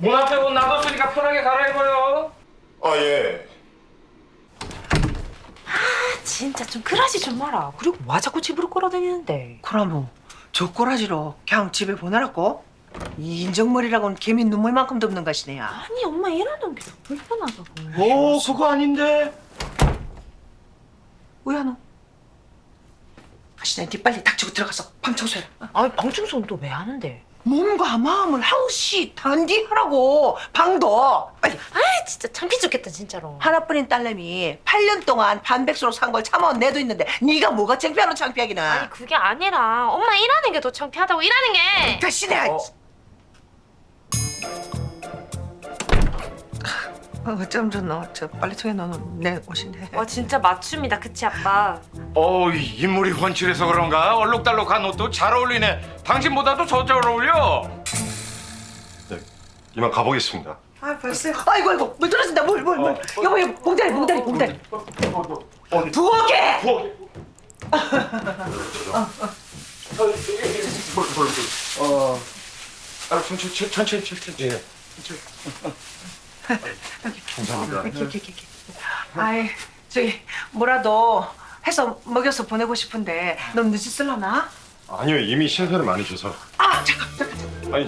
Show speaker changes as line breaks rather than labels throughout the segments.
문 앞에 옷 놔뒀으니까 편하게 갈아입어요.
아, 예.
진짜 좀 그러지 좀 마라. 그리고 와 자꾸 집으로 끌어다니는데.
그러면 저 꼬라지로 그냥 집에 보내라고? 이 인정머리라고는 개미 눈물만큼도 없는 것이네야.
아니 엄마 일하는 게 더 불편하다고.
오, 그거 아닌데.
우야노. 아시네, 니 빨리 닥치고 들어가서 방 청소해라.
아니 방충소는 또 왜 하는데?
몸과 마음을 항시 단디하라고. 방도 빨리.
아 진짜 창피 죽겠다 진짜로.
하나뿐인 딸내미 8년 동안 반백수로 산 걸 참아온 내도 있는데 네가 뭐가 창피하노 창피하기는.
아니 그게 아니라 엄마 일하는 게 더 창피하다고. 일하는 게.
다시네. 어쩜 좋노. 저 빨래통에 넣어놓은 내 옷인데.
와 진짜 맞춤이다 그치 아빠?
인물이 훤칠해서 그런가? 얼룩달룩한 옷도 잘 어울리네. 당신보다도 더 잘 어울려.
네, 이만 가보겠습니다.
아 벌써. 아이고 물 떨어진다. 물. 여보 봉다리. 부엌에.
천천히.
감사합니다.
이렇게. 아이 저기 뭐라도 해서 먹여서 보내고 싶은데 너무 늦었을라나?
아니요, 이미 신세를 많이 져서.
아 잠깐.
아니,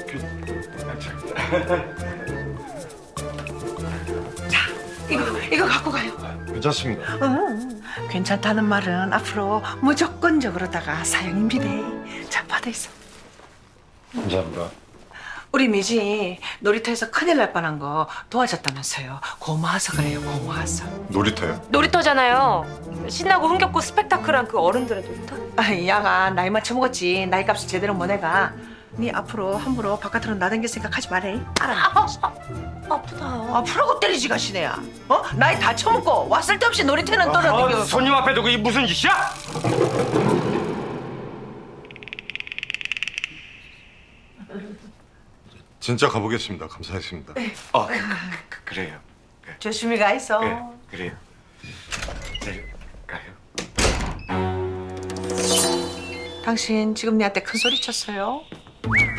이거 갖고 가요.
괜찮습니다.
괜찮다는 말은 앞으로 무조건적으로다가 사용입니다. 자 받아 있어.
감사합니다.
우리 미지 놀이터에서 큰일 날 뻔한 거 도와줬다면서요. 고마워서 그래요. 고마워서.
놀이터요?
놀이터잖아요. 신나고 흥겹고 스펙타클한 그 어른들의 놀이터?
아, 야가 나이 맞춰먹었지. 나이 값을 제대로 못 내가. 네 앞으로 함부로 바깥으로 나댕길 생각하지 말래. 알아?
아프다.
앞으로고 때리지 가시네야. 어? 나이 다 처먹고 왔을 데 없이 놀이터는 떠나댕겨.
손님 앞에 두고 이 무슨 짓이야?
진짜 가보겠습니다. 감사했습니다.
그래요.
조심히 가 있어.
그래요. 가요.
당신 지금 내한테 큰 소리 쳤어요?